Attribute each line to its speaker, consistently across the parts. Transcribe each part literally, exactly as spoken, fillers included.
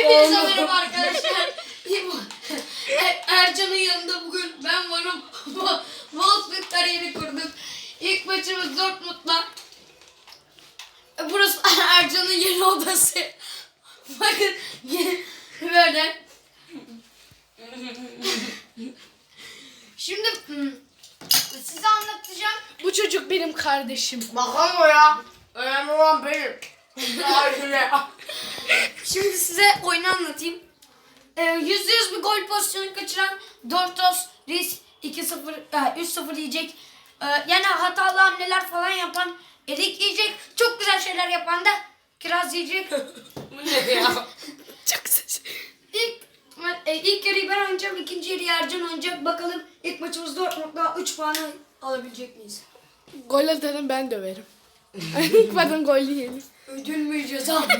Speaker 1: Hepinize merhaba arkadaşlar. Ercan'ın yanında bugün ben varım. Wolfsburg kariyeri kurduk. İlk maçımız Dortmund'la. Burası Ercan'ın yeni odası. Bakın böyle. Şimdi size anlatacağım.
Speaker 2: Bu çocuk benim kardeşim.
Speaker 1: Bakalım o ya. Önemli olan benim. Şimdi size oyunu anlatayım. Ee, yüzde yüz bir gol pozisyonu kaçıran Dortos, Riz iki sıfır, üç sıfır yiyecek. Ee, yani hatalı hamleler falan yapan Erik yiyecek. Çok güzel şeyler yapan da Kiraz yiyecek.
Speaker 2: Bu ne ya? Çok güzel.
Speaker 1: İlk, e, ilk yarıyı ben oynayacağım. İkinci yarıyı Ercan oynayacak. Bakalım ilk maçımız Dortmund'da üç puanı alabilecek miyiz?
Speaker 2: Gol atanı ben döverim. İlk bana gol yiyelim.
Speaker 1: Ödül mü ceza mı?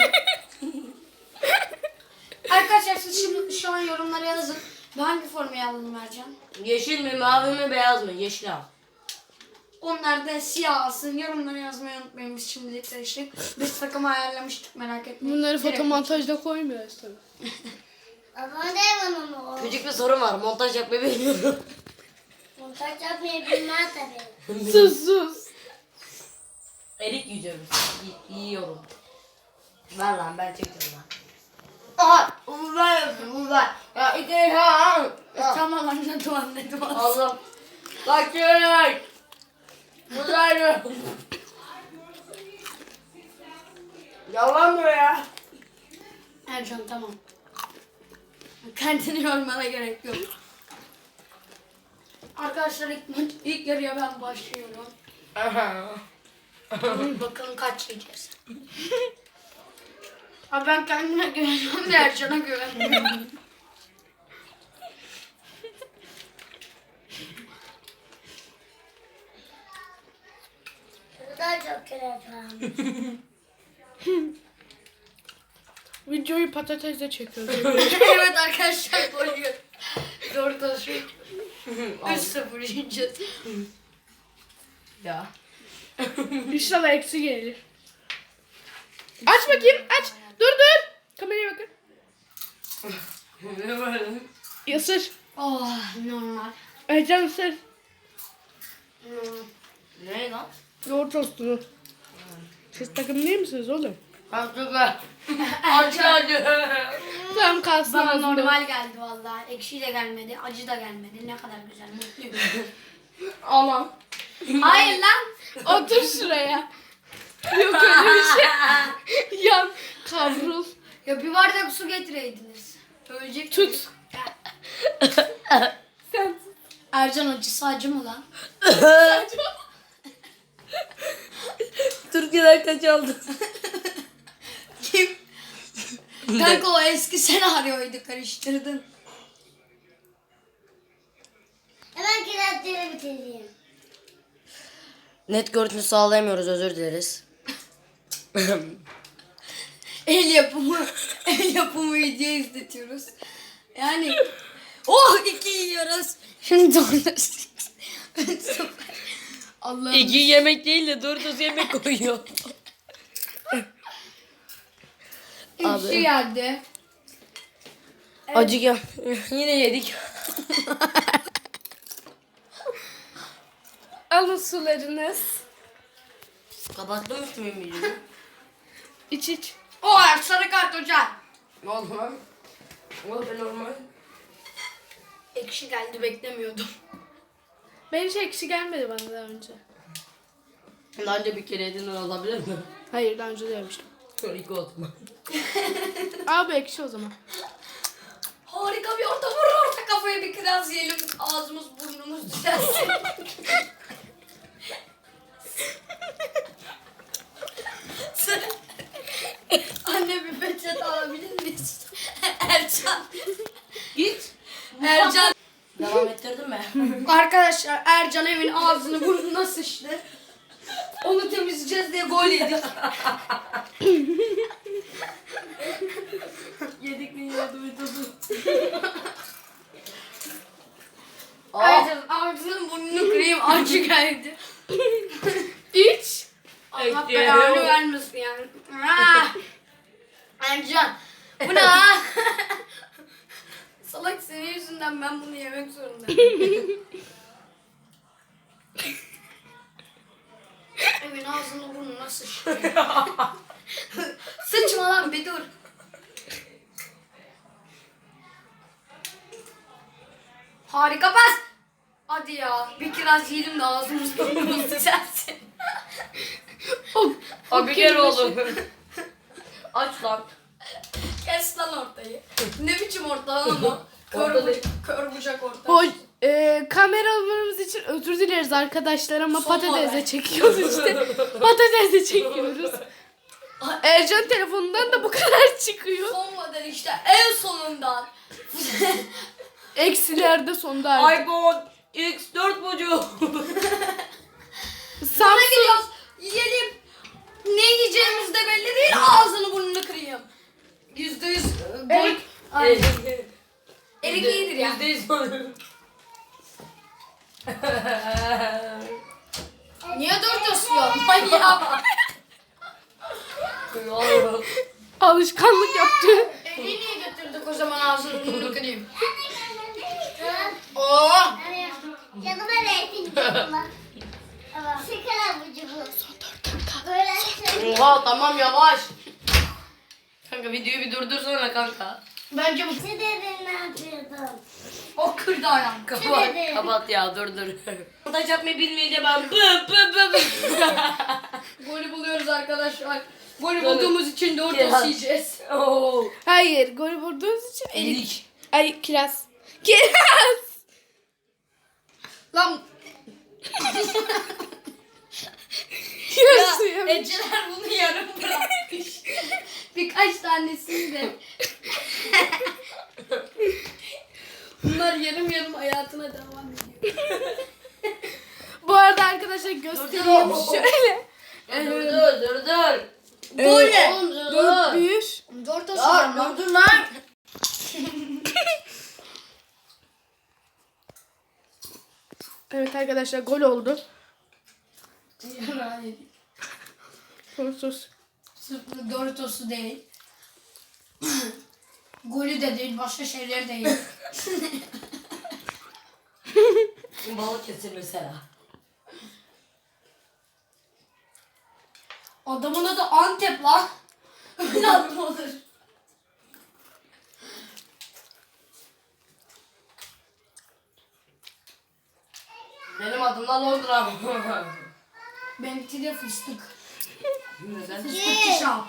Speaker 1: Arkadaşlar siz şimdi şu an yorumlara yazın. Ben hangi formayı alalım Ercan?
Speaker 3: Yeşil mi, mavi mi, beyaz mı? Yeşil al.
Speaker 1: Onlar da siyah alsın. Yorumlara yazmayı unutmayın. Biz şimdilik seçtik. Biz takımı ayarlamıştık, merak etmeyin.
Speaker 2: Bunları
Speaker 1: Direkt-
Speaker 2: fotomontajda koymuyoruz tabii.
Speaker 4: Ama ne bana o?
Speaker 3: Küçük bir sorun var. Montaj yapmayı bilmiyorum.
Speaker 4: Montaj yapmayı bilmez tabii.
Speaker 2: Sus sus.
Speaker 3: Erik yiyeceğim. Y- yiyorum. Ver lan, ben çekeceğim lan.
Speaker 1: Aha!
Speaker 3: Bunu ben yapıyorum, bunu ben. Ya iki ha.
Speaker 1: Tamam anladım anladım.
Speaker 3: Allah. Kaçın. Buradayım. Yalan mı ya?
Speaker 1: Ercan tamam. Kendini yormana gerek yok. Arkadaşlar ilk, maç, ilk yarıya ben başlıyorum. Bakalım kaç yiyeceğiz. Abi ben kendime güveniyorum da Ercan'a güvenmiyorum.
Speaker 4: Bu da çok güzel.
Speaker 2: Videoyu patatesle çekiyoruz.
Speaker 1: Evet arkadaşlar koyuyor. Doğru taşıyor. üç sıfır yiyeceğiz.
Speaker 3: Ya.
Speaker 2: İnşallah eksi gelir. Aç bakayım aç. Dur dur. Kameraya bakın.
Speaker 3: Ne var?
Speaker 2: Isır.
Speaker 1: Oh normal.
Speaker 2: Ercan ısır.
Speaker 3: Ne lan?
Speaker 2: Yoğurt tostunu. Siz takım değil misiniz oğlum?
Speaker 3: Haklılar. Aç hadi.
Speaker 2: Tamam kalsın
Speaker 1: Bana
Speaker 2: ağzında.
Speaker 1: normal geldi vallahi. Ekşi de gelmedi, acı da gelmedi. Ne kadar güzel, mutluyum.
Speaker 2: Aman.
Speaker 1: Hayır lan.
Speaker 2: Otur şuraya. Yok öyle bir şey. Yan kavrul.
Speaker 1: Ya bir bardak su getireydiniz. Ölecek.
Speaker 2: Tut. Sen tut.
Speaker 1: Ercan acısı acı mı lan?
Speaker 3: Türkiye'den kaç aldın?
Speaker 1: Kim? Kanka o eski senaryoydu, karıştırdın.
Speaker 4: Hemen kirazları bitireyim.
Speaker 3: Net görüntü sağlayamıyoruz, özür dileriz.
Speaker 1: El yapımı, el yapımı video izletiyoruz. Yani oh iki yiyoruz. Şimdi doğrusu. Allah'ım.
Speaker 3: İki yemek değil de dört öz yemek koyuyor.
Speaker 1: Ekşi geldi.
Speaker 3: Acı gel. Yine yedik.
Speaker 2: Alın sularınız.
Speaker 3: Kapattım üstümü videoyu.
Speaker 2: İç iç.
Speaker 1: Oh sarı kart hocam.
Speaker 3: Ne oldu lan? Ne oldu normal?
Speaker 1: Ekşi geldi, beklemiyordum.
Speaker 2: Ben hiç ekşi gelmedi bana daha önce.
Speaker 3: Daha önce bir kere yedin olabilir mi?
Speaker 2: Hayır daha önce de yemiştim.
Speaker 3: Sonra iki oldu mu?
Speaker 2: Abi ekşi o zaman.
Speaker 1: Harika bir orta, vur orta kafaya bir kiraz yiyelim. Ağzımız burnumuz düzelsin. Anne bir peçete alabilir miyiz? Ercan.
Speaker 3: Git.
Speaker 1: Ercan.
Speaker 3: Devam ettirdin mi?
Speaker 1: Arkadaşlar Ercan evin ağzını burnuna sıçtı. Onu temizleyeceğiz diye gol yedik.
Speaker 3: Yedik mi yine duydum.
Speaker 1: Ercan ağzının burnunu kırayım, acı geldi.
Speaker 2: İç.
Speaker 1: Allah
Speaker 3: Ekşi.
Speaker 1: belanı vermesin yani. Ah! Ercan Bu ne ha? Salak senin yüzünden ben bunu yemek zorundayım. Evin ağzını burnuna sıçtı. Sıçma lan bir dur. Harika pas. Hadi ya. Bir kiraz yiyelim de ağzımız burnumuz düzelsin.
Speaker 2: O,
Speaker 3: Abi gel oğlum. Aç lan.
Speaker 1: Kes lan ortayı. Ne biçim orta lan o? Kör,
Speaker 3: Orta
Speaker 1: bu-
Speaker 3: değil.
Speaker 1: kör bucak orta.
Speaker 2: o e, kameralarımız için özür dileriz arkadaşlar ama
Speaker 1: Son
Speaker 2: patatese
Speaker 1: model.
Speaker 2: çekiyoruz işte. Patatese çekiyoruz. Ercan telefonundan da bu kadar çıkıyor.
Speaker 1: Son model işte en sonundan.
Speaker 2: Eksilerde sonda artık.
Speaker 3: iPhone X dört buçuk.
Speaker 1: Sana
Speaker 2: Samsung.
Speaker 1: gidiyoruz. Yiyelim. Ne yiyeceğimiz de belli değil. Ağzını burnunu kırayım. Yüzde yüz. e, Gol.
Speaker 2: Erik.
Speaker 1: Aynen. Erik iyidir ya.
Speaker 3: Yüzde yüz olur.
Speaker 1: Niye dört asıyor? Manyak.
Speaker 2: Alışkanlık yaptı.
Speaker 1: Evi niye götürdük o zaman ağzını burnunu kırayım? Oo.
Speaker 4: Canıma reyting canıma. Ama şeker abucu bu. Son dört dakika. Böyle söyleyeyim.
Speaker 3: Oha tamam yavaş. Kanka videoyu bir durdursana kanka.
Speaker 1: Bence bu.
Speaker 4: Ne dedin ne yapıyordun?
Speaker 1: O kırdı ayağımı.
Speaker 3: Kapat,
Speaker 4: dedi?
Speaker 3: kapat ya dur dur. Montaj yapmayı bilmeyince ben bı bı bı bı.
Speaker 1: Golü buluyoruz arkadaşlar. Golü
Speaker 3: Golü.
Speaker 1: bulduğumuz için dört
Speaker 3: Kiraz.
Speaker 1: os yiyeceğiz.
Speaker 3: Oo.
Speaker 2: Hayır, gol vurduğunuz için erik.
Speaker 3: Erik.
Speaker 2: Ay kiraz. Kiraz.
Speaker 1: Lan
Speaker 2: Kiraz suyu.
Speaker 1: Eceler bunu yarım bırakmış. Birkaç tanesini de. Bunlar yarım yarım hayatına devam ediyor.
Speaker 2: Bu arada arkadaşlar göstereyim
Speaker 3: Dur, dur.
Speaker 2: şöyle.
Speaker 3: Dur dur dur dur.
Speaker 1: Gol ne?
Speaker 3: Oğlum dur
Speaker 2: Dört
Speaker 3: dur.
Speaker 2: bir.
Speaker 1: Dört os
Speaker 3: Dur
Speaker 1: var
Speaker 3: dur dur lan.
Speaker 2: Evet arkadaşlar gol oldu.
Speaker 1: lan.
Speaker 2: Sos.
Speaker 1: Sırf Doritos'u değil. Golü de değil, başka şeyler değil.
Speaker 3: Balık kesin mesela.
Speaker 1: Adamın adı Antep lan. Öyle adı mı olur?
Speaker 3: Benim adım da Londra.
Speaker 1: Benimki de fıstık.
Speaker 3: Neden?
Speaker 1: Fıstıkçı şap.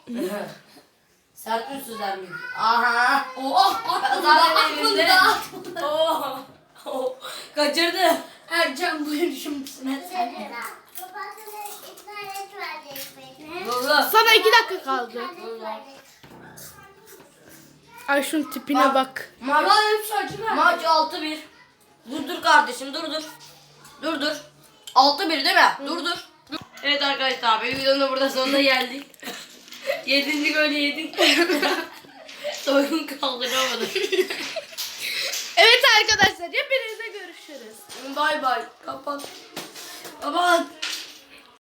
Speaker 3: Sert ünsüzler mi? Aha.
Speaker 1: Oh, aklımda,
Speaker 3: Zaten elimde.
Speaker 1: aklımda.
Speaker 3: Oh. Oh. Kaçırdı.
Speaker 1: Ercan buyur şimdi sıra sen.
Speaker 4: Babasına ikna et verecek beni.
Speaker 3: Dur dur.
Speaker 2: Sana iki dakika kaldı.
Speaker 4: İkna verecek.
Speaker 2: Ay şunun tipine bak.
Speaker 3: Maç,
Speaker 1: Lan hepsi acı ver.
Speaker 3: maç altı bir. Dur dur kardeşim dur dur. Dur dur. altı bir değil mi? Dur dur. Evet arkadaşlar bir videonun da burada sonuna geldik. Yedinci golü yedik. Soyun kaldıramadım.
Speaker 2: Evet arkadaşlar hepinize görüşürüz.
Speaker 3: Bay bay. Kapat. Kapat.